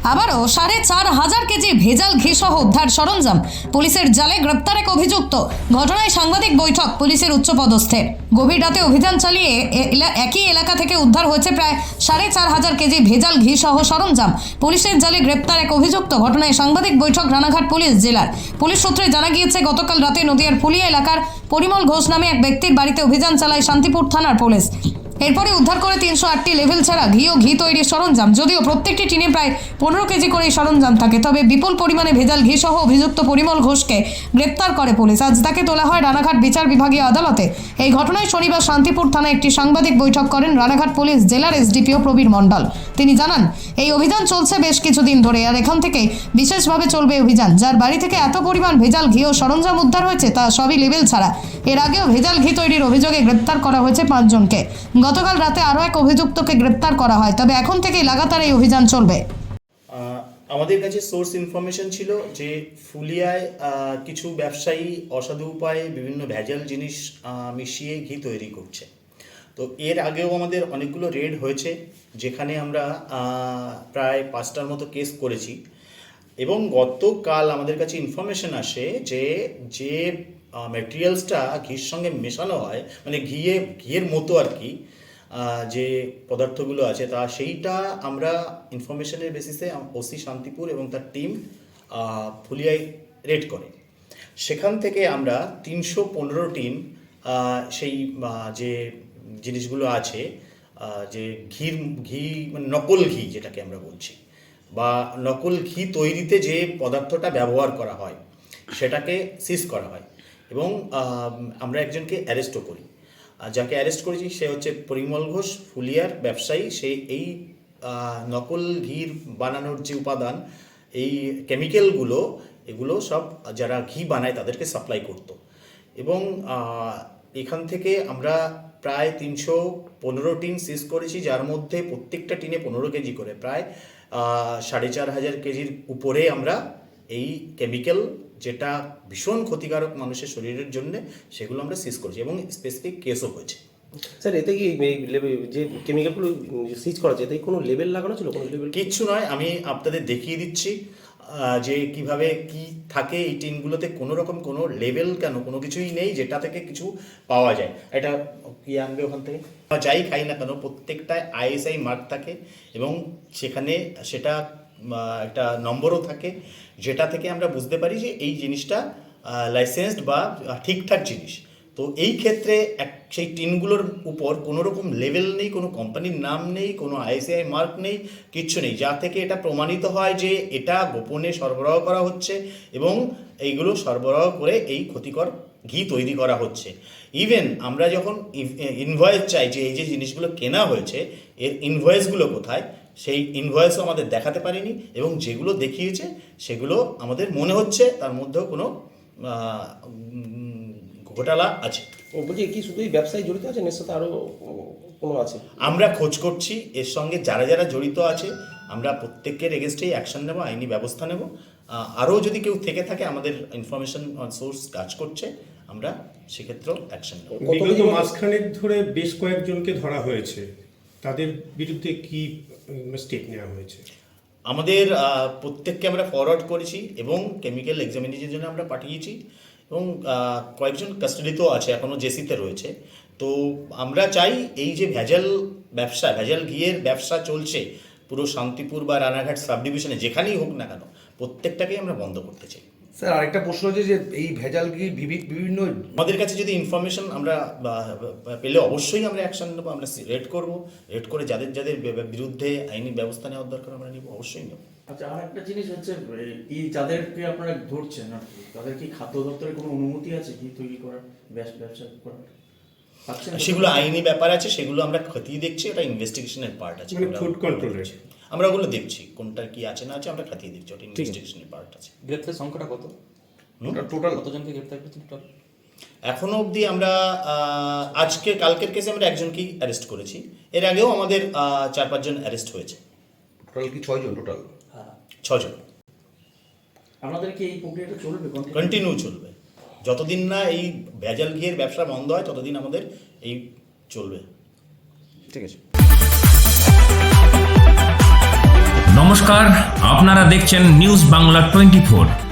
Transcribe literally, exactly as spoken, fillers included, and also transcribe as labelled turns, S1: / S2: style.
S1: আবারও সাড়ে চার হাজার কেজি ভেজাল ঘি সহ উদ্ধার সরঞ্জাম, পুলিশের জালে গ্রেপ্তার এক অভিযুক্ত। ঘটনায় সাংবাদিক বৈঠক পুলিশের উচ্চপদস্থের। গভীর রাতে অভিযান চালিয়ে একই এলাকা থেকে উদ্ধার হয়েছে প্রায় সাড়ে চার হাজার কেজি ভেজাল ঘি সহ সরঞ্জাম। পুলিশের জালে গ্রেপ্তার এক অভিযুক্ত। ঘটনায় সাংবাদিক বৈঠক রানাঘাট পুলিশ জেলার। পুলিশ সূত্রে জানা গিয়েছে, গতকাল রাতে নদিয়ার ফুলিয়া এলাকার পরিমল ঘোষ নামে এক ব্যক্তির বাড়িতে অভিযান চালায় শান্তিপুর থানার পুলিশ। এরপরে উদ্ধার করে তিনশো আটটি লেভেল ছাড়া ঘি ও ঘি তৈরির সরঞ্জাম। যদিও প্রত্যেকটি টিনে প্রায় পনেরো কেজি করে সরঞ্জাম থাকে, তবে বিপুল পরিমাণে ভেজাল ঘি সহ অভিযুক্ত পরিমল ঘোষকে গ্রেপ্তার করে পুলিশ। আজ তাকে তোলা হয় রানাঘাট বিচার বিভাগীয় আদালতে। এই ঘটনায় শনিবার শান্তিপুর থানায় একটি সাংবাদিক বৈঠক করেন রানাঘাট পুলিশ জেলার এসডিপিও প্রবীর মণ্ডল। তিনি জানান, এই অভিযান চলছে বেশ কিছুদিন ধরে, আর এখান থেকে বিশেষভাবে চলবে অভিযান। যার বাড়ি থেকে এত পরিমাণ ভেজাল ঘি ও সরঞ্জাম উদ্ধার হয়েছে তা সবই লেবেল ছাড়া। এর আগেও ভেজাল ঘি তৈরির অভিযোগে গ্রেপ্তার করা হয়েছে পাঁচজনকে। গতকাল রাতে আরও এক অভিযুক্তকে গ্রেপ্তার করা হয়, তবে এখন থেকে লাগাতার এই অভিযান চলবে।
S2: আমাদের কাছে সোর্স ইনফরমেশন ছিল যে ফুলিয়ায় কিছু ব্যবসায়ী অসাধু উপায়ে বিভিন্ন ভেজাল জিনিস মিশিয়ে ঘি তৈরি করছে। তো এর আগেও আমাদের অনেকগুলো রেড হয়েছে, যেখানে আমরা প্রায় পাঁচটার মতো কেস করেছি। এবং গতকাল আমাদের কাছে ইনফরমেশন আসে যে যে ম্যাটেরিয়ালসটা ঘির সঙ্গে মেশানো হয়, মানে ঘিয়ে ঘিয়ের মতো আর কি যে পদার্থগুলো আছে, তা সেইটা আমরা ইনফরমেশনের বেসিসে ওসি শান্তিপুর এবং তার টিম ফুলিয়ায় রেড করে। সেখান থেকে আমরা তিনশো পনেরো টিন সেই যে জিনিসগুলো আছে, যে ঘির ঘি মানে নকল ঘি যেটাকে আমরা বলছি, বা নকল ঘি তৈরিতে যে পদার্থটা ব্যবহার করা হয় সেটাকে সিজ করা হয়। এবং আমরা একজনকে অ্যারেস্টও করি। যাকে অ্যারেস্ট করেছি সে হচ্ছে পরিমল ঘোষ, ফুলিয়ার ব্যবসায়ী। সে এই নকল ঘির বানানোর যে উপাদান, এই কেমিক্যালগুলো, এগুলো সব যারা ঘি বানায় তাদেরকে সাপ্লাই করত। এবং এখান থেকে আমরা প্রায় তিনশো পনেরো টিন সিজ করেছি, যার মধ্যে প্রত্যেকটা টিনে পনেরো কেজি করে প্রায় সাড়ে চার হাজার কেজির উপরে আমরা এই কেমিক্যাল, যেটা ভীষণ ক্ষতিকারক মানুষের শরীরের জন্য, সেগুলো আমরা সিজ করেছি এবং স্পেসিফিক কেসও হয়েছে।
S3: স্যার, এতে কি যে কেমিক্যালগুলো সিজ করা যায়, এতে কোনো লেবেল লাগানো ছিল? কোনো লেবেল
S2: কিচ্ছু নয়, আমি আপনাদের দেখিয়ে দিচ্ছি যে কিভাবে কি থাকে এই টিনগুলোতে। কোনো রকম কোনো লেবেল কেন, কোনো কিছুই নেই যেটা থেকে কিছু পাওয়া যায়। এটা কি আনবে ওখান থেকে, যাই খাই না কেন প্রত্যেকটায় আইএসআই মার্ক থাকে এবং সেখানে সেটা একটা নম্বরও থাকে, যেটা থেকে আমরা বুঝতে পারি যে এই জিনিসটা লাইসেন্সড বা ঠিকঠাক জিনিস। তো এই ক্ষেত্রে এক সেই টিনগুলোর উপর কোনো রকম লেভেল নেই, কোনো কোম্পানির নাম নেই, কোনো আইএসআই মার্ক নেই, কিচ্ছু নেই, যা থেকে এটা প্রমাণিত হয় যে এটা গোপনে সরবরাহ করা হচ্ছে এবং এইগুলো সরবরাহ করে এই ক্ষতিকর ঘি তৈরি করা হচ্ছে। ইভেন আমরা যখন ইনভয়েস চাই যে এই যে জিনিসগুলো কেনা হয়েছে এর ইনভয়েসগুলো কোথায়, সেই ইনভয়েসও আমাদের দেখাতে পারিনি, এবং যেগুলো দেখিয়েছে সেগুলো আমাদের মনে হচ্ছে তার মধ্যেও কোনো ঘোটালা আছে।
S3: ও বলছি, কি শুধু এই ব্যবসায়ী জড়িত আছে, এর সাথে আরও কোনো আছে?
S2: আমরা খোঁজ করছি, এর সঙ্গে যারা যারা জড়িত আছে আমরা প্রত্যেকের এগেনস্টেই অ্যাকশন নেব, আইনি ব্যবস্থা নেব। আরও যদি কেউ থেকে থাকে, আমাদের ইনফরমেশন সোর্স কাজ করছে, আমরা সেক্ষেত্রেও অ্যাকশন নেব।
S4: বিগত মাসখানেক ধরে বেশ কয়েকজনকে ধরা হয়েছে, তাদের বিরুদ্ধে কি স্টেপ নেওয়া হয়েছে?
S2: আমাদের প্রত্যেককে আমরা ফরওয়ার্ড করেছি এবং কেমিক্যাল এক্সামিনেশনের জন্য আমরা পাঠিয়েছি, এবং কয়েকজন কাস্টাডিতেও আছে, এখনও জেসিতে রয়েছে। তো আমরা চাই এই যে ভেজাল ব্যবসা, ভেজাল ঘিয়ের ব্যবসা চলছে পুরো শান্তিপুর বা রানাঘাট সাব ডিভিশনে, যেখানেই হোক না কেন, প্রত্যেকটাকেই আমরা বন্ধ করতে চাই।
S5: স্যার, আরেকটা প্রশ্ন হচ্ছে যে এই ভেজাল ঘি বিভিন্ন
S2: আমাদের কাছে যদি ইনফরমেশন আমরা পেলে অবশ্যই আমরা অ্যাকশন নেবো, আমরা রেড করবো, রেড করে যাদের যাদের বিরুদ্ধে আইনি ব্যবস্থা নেওয়ার দরকার আমরা নেব, অবশ্যই নেব।
S6: আচ্ছা, আর একটা জিনিস হচ্ছে, এই যাদেরকে আপনারা ধরছেন আর কি, তাদের কি খাদ্য দপ্তরের কোনো অনুমতি আছে ঘি তৈরি করার, ব্যবসা করার?
S2: সেগুলো আইনি ব্যাপার আছে, সেগুলো আমরা খতিয়ে দেখছি, ওটা ইনভেস্টিগেশনের পার্ট আছে।
S4: ফুড কন্ট্রোল আছে,
S2: আমরা ওগুলো দেখছি কোনটা কি আছে না আছে, আমরা খতিয়ে দেখছি, ওটা ইনভেস্টিগেশনের পার্ট আছে।
S7: গ্রেপ্তার সংখ্যাটা কত? টোটাল কতজনকে গ্রেপ্তার করেছেন টোটাল?
S2: এখনো অবধি আমরা আজকে কালকের কেসে আমরা একজনকেই অ্যারেস্ট করেছি, এর আগেও আমাদের চার পাঁচজন অ্যারেস্ট হয়েছে।
S5: টোটাল কি ছয়জন? টোটাল
S6: হ্যাঁ,
S2: ছজন।
S6: আমাদের কি এই প্রক্রিয়াটা চলবে,
S2: কন্টিনিউ চলবে, যতদিন না এই ভেজাল ঘিয়ের ব্যবসা বন্ধ হয় ততদিন আমাদের এই চলবে।
S3: ঠিক আছে।
S8: নমস্কার, আপনারা দেখছেন নিউজ বাংলা টোয়েন্টি ফোর।